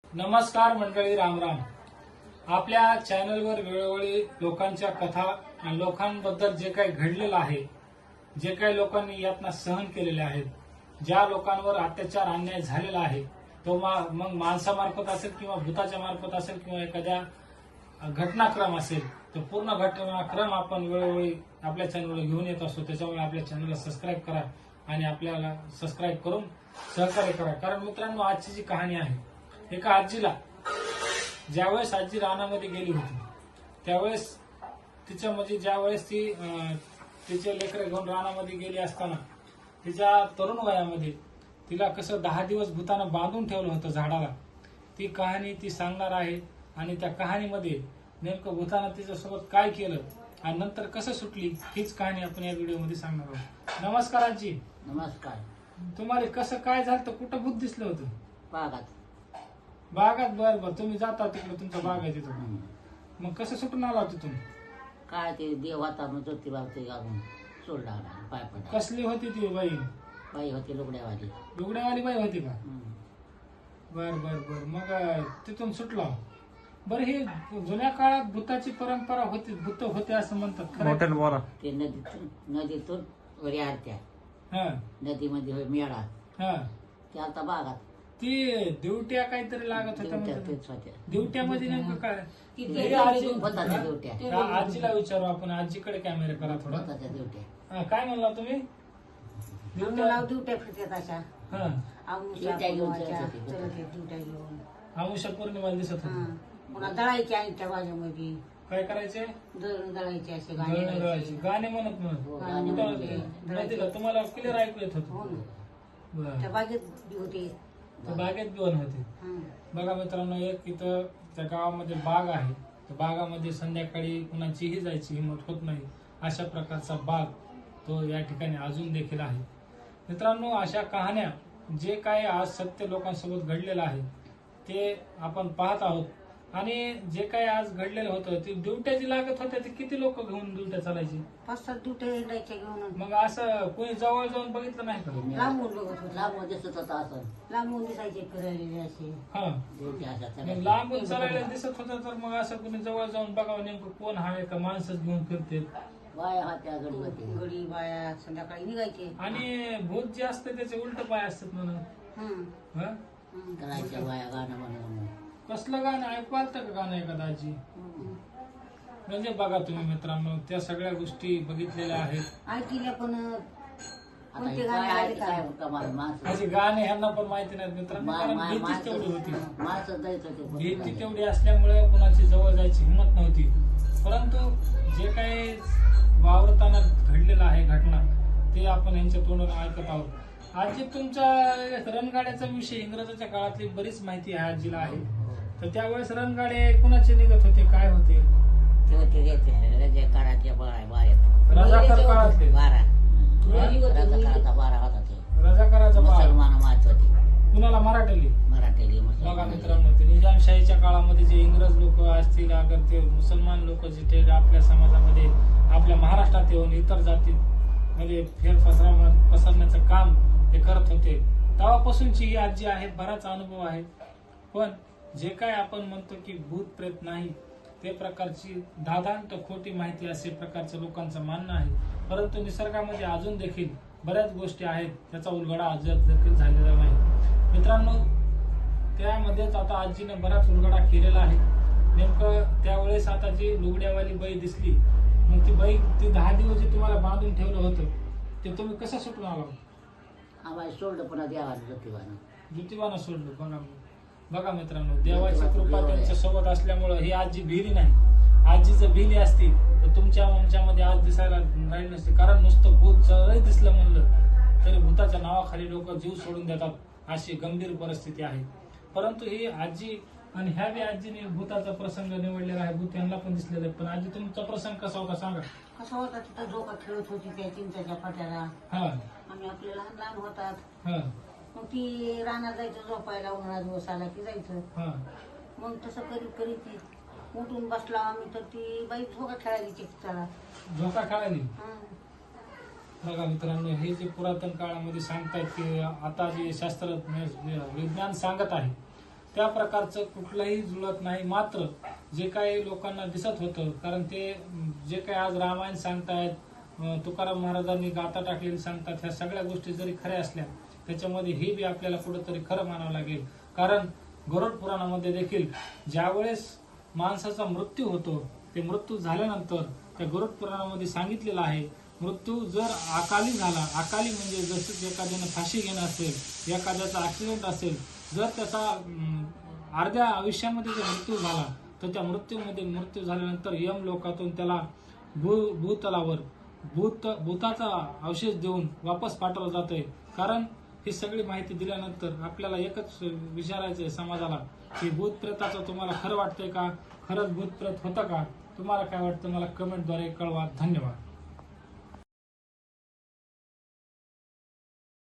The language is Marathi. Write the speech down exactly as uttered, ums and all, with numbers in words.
नमस्कार मंडळी, रामराम. आपल्या चॅनलवर वेळोवेळी लोकांच्या कथा आणि लोकांबद्दल जे काही घडलेलं आहे, जे काही लोकांनी यातना सहन केलेले आहेत, ज्या लोकांवर अत्याचार अन्याय झालेला आहे, तो मग माणसामार्फत असेल किंवा भूताच्या मार्फत असेल किंवा एखाद्या घटनाक्रम असेल, तो पूर्ण घटनाक्रम आपण वेळोवेळी आपल्या चॅनलवर घेऊन येत असतो. त्याच्यामुळे आपल्या चॅनलला सबस्क्राईब करा आणि आपल्याला सबस्क्राईब करून सहकार्य करा. कारण मित्रांनो, आजची जी कहाणी आहे, एका आजीला ज्यावेळेस आजी रानामध्ये गेली होती त्यावेळेस तिच्या म्हणजे ज्यावेळेस ती तिचे लेकरं घेऊन रानामध्ये गेली असताना तिच्या तरुण वयामध्ये तिला कसं दहा दिवस भूतानं बांधून ठेवलं होतं झाडाला. ती कहाणी ती सांगणार आहे आणि त्या कहाणीमध्ये नेमकं भूतानं तिच्यासोबत काय केलं आणि नंतर कसं सुटली हीच कहाणी आपण या व्हिडिओमध्ये सांगणार आहोत. नमस्कार आजी. नमस्कार. तुम्हाला कसं काय झालं, कुठं भूत दिसलं होतं? बागात. बागात? बर बर. तुम्ही जाता तिकडे, तुमचा बाग आहे तिथं. मग कसं सुटून आला तिथून? काय ते देव होता मग ज्योतिबा ते घालून सोडला पाय पडला. कसली होती ती बाई? बाई होती लुगड्यावाली. लुगड्यावाली बाई होती का? बर बर बर. मग तिथून सुटला. बरं, ही जुन्या काळात भूताची परंपरा होती, भूत होते असं म्हणतात, खरं? ते नदीतून नदीतून वरी आरत्या. हा. नदीमध्ये मेळा. हा. ते आता बागात. ती दिवट्या काहीतरी लागत होत्या दिवट्या म्हणतात. तेच होत्या. दिवट्यामध्ये नेमकं काय? हे होता आजी- त्या दिवट्या. हा, आजीला विचारू आपण. आजीकडे कॅमेरा करा थोडा. होता त्या दिवट्या. हा, काय म्हणला तुम्ही? नाव दिवट्या फिरतात अशा. हा. आमुषा दिवट्या घेऊन पौर्णिमाच्या चलत होती. चलत आहेत दिवट्या घेऊन. आमुषा पौर्णिमाला दिसत हा. होती. पुन्हा दळायचे आणि त्या बाजूमध्ये काय करायचे? दळून दळायचे असे दळण गाणे दळायचे. गायचे. गाणे म्हणत म्हणत हो, गाणे गाणे म्हणत म्हणते. होते. नदीला तुम्हाला क्लिअर ऐकू येत हो होत? ना. त्या बागेत बी होते. बागेत बिवन होते. हा. बघा मित्रांनो, एक इथं त्या गावामध्ये बाग आहे. त्या बागामध्ये संध्याकाळी कुणाचीही जायची हिंमत होत नाही, अशा प्रकारचा बाग तो या ठिकाणी अजून देखील आहे. मित्रांनो, अशा कहाण्या जे काय आज सत्य लोकांसोबत घडलेलं आहे ते आपण पाहत आहोत. आणि जे काय आज घडलेलं होतं ते ड्युट्या लागत होत्या, ते किती लोक घेऊन ड्युट्या चालायची? पाच सात दिवट्या हिंडायच्या घेऊन. मग असं कोणी जवळ जाऊन बघितलं नाही का? लांबून बघत होते. लांबून दिसत होता असं. लांबून दिसायचे फिरायलेले असे. हा. दिवट्या अशा मग सगळ्या. लांबून चालायला दिसत होतं, तर मग असं कोणी जवळ जाऊन बघावं नेमकं कोण आहे का, माणसंच घेऊन फिरते. बाया होत्या गडी होते. गडी बाया संध्याकाळी निघायचे. आणि भूत जे असते त्याचे उलट पाय असतात म्हणून. हम्म. हा? हम्म. करायच्या बाया गाणं म्हणून. कसलं गाणं ऐकू आलतं का गाणं एखादा आजी? हम्म. म्हणजे बघा तुम्ही मित्रांनो, त्या सगळ्या गोष्टी बघितलेल्या आहेत. ऐकल्या पण आता कोणते हे गाणे बाया आले ते का? काय कमाल माणसं. अशी गाणे ह्यांना पण माहिती नाहीत मित्रांनो, मा- कारण मा- भीतीच तेवढी होती. माणसं माणसं जायचं ते भीती तेवढी असल्यामुळे कुणाची जवळ जायची हिंमत नव्हती. परंतु जे काही वावरताना घडलेलं आहे घटना, ते आपण यांच्या तोंडून ऐकत आहोत. आजी, तुमच्या रणगाड्याचा विषय इंग्रजाच्या काळातली बरीच माहिती आहे आजीला आहे. तर त्यावेळेस रणगाडे कुणाचे निघत होते, काय होते? ते होते ते रजे काळाच्या बाया बाया रजाकार काळातले. बारा. हा? रजा काळाचा बारा होता ते. रजाकाराचा बाळ. मुसलमान मात होते. कुणाला? मराठ्याली. मराठी बघा मुसलमान. मित्रांनो, ते निजामशाहीच्या काळामध्ये जे इंग्रज लोक असतील, अगर ते मुसलमान लोक जे आपल्या समाजामध्ये आपल्या महाराष्ट्रात येऊन इतर जाती म्हणजे फेरफसरा पसरण्याचं काम हे करत होते, तेव्हापासूनची ही आजी आहे. बराच अनुभव आहे. पण जे काय आपण म्हणतो की भूत प्रेत नाही, ते प्रकारची दादांत खोटी माहिती असे प्रकारचं लोकांचं मानणं आहे. परंतु निसर्गामध्ये अजून देखील बऱ्याच गोष्टी आहेत, त्याचा उलगडा अजून देखील झालेला नाही. मित्रांनो, त्यामध्येच आता आजीनं बराच उलगडा केलेला आहे. नेमकं त्यावेळेस आता जी लुगड्यावाली बाई दिसली, मग ती बाई ती दहा दिवस जे तुम्हाला बांधून ठेवलं होतं ते तुम्ही कसं सुटून आला? आम्हाला सोडलं पुन्हा देवाला ज्योतिबानं. ज्योतिबानं सोडलं. बघा बघा मित्रांनो, देवाची कृपा त्यांच्या सोबत असल्यामुळं ही आजी भिली नाही. आजी जर भिली असती तर तुमच्या आमच्यामध्ये आज दिसायला राहिली नसते. कारण नुसतं भूत जरी दिसलं म्हणलं तरी भूताच्या नावाखाली लोक जीव सोडून देतात, अशी गंभीर परिस्थिती आहे. परंतु ही आजी आणि ह्या बी आजीने भूताचा प्रसंग निवडलेला आहे. भूत यांना पण दिसलेलं आहे. पण आजी, तुमचा प्रसंग कसा होता सांगा? कसा होता? तिथं झोका खेळत होती त्या चिंचाच्या पाट्याला. हा. आम्ही आपले लहान लहान होतात. हा. मग ती रानात जायचं झोपायला, उन्हाळा दिवस आला की जायचं. हा. मग तसं करीत करीत ती उठून बसला आम्ही, तर ती बाई झोका खेळायला चिकटाला. झोका खेळाली. बघा मित्रांनो, हे जे पुरातन काळामध्ये सांगतायत की आता जे शास्त्रज्ञ विज्ञान सांगत आहे त्या प्रकारचं कुठलंही जुळत नाही. मात्र जे काही लोकांना दिसत होतं, कारण ते जे काही आज रामायण सांगतायत, तुकाराम महाराजांनी गाथा टाकलेली सांगतात, ह्या सगळ्या गोष्टी जरी खऱ्या असल्या त्याच्यामध्ये हे बी आपल्याला कुठेतरी खरं मानावं लागेल. कारण गरुड पुराणामध्ये देखील ज्यावेळेस माणसाचा मृत्यू होतो, ते मृत्यू झाल्यानंतर त्या गरुड पुराणामध्ये सांगितलेलं आहे, मृत्यू जर अकाली झाला, अकाली म्हणजे जसं एखाद्यानं फाशी घेणं असेल, एखाद्याचा ऍक्सिडेंट असेल, जर त्याचा अर्ध्या आयुष्यामध्ये जर मृत्यू झाला तर त्या मृत्यूमध्ये मृत्यू झाल्यानंतर यम लोकातून त्याला भू भूतलावर भूत भूताचा अवशेष देऊन वापस पाठवलं जातंय. कारण ही सगळी माहिती दिल्यानंतर आपल्याला एकच विचारायचं आहे समाजाला की भूत प्रेताचं तुम्हाला खरं वाटतंय का? खरंच भूत प्रेत होतं का? तुम्हाला काय वाटतं मला कमेंटद्वारे कळवा. धन्यवाद.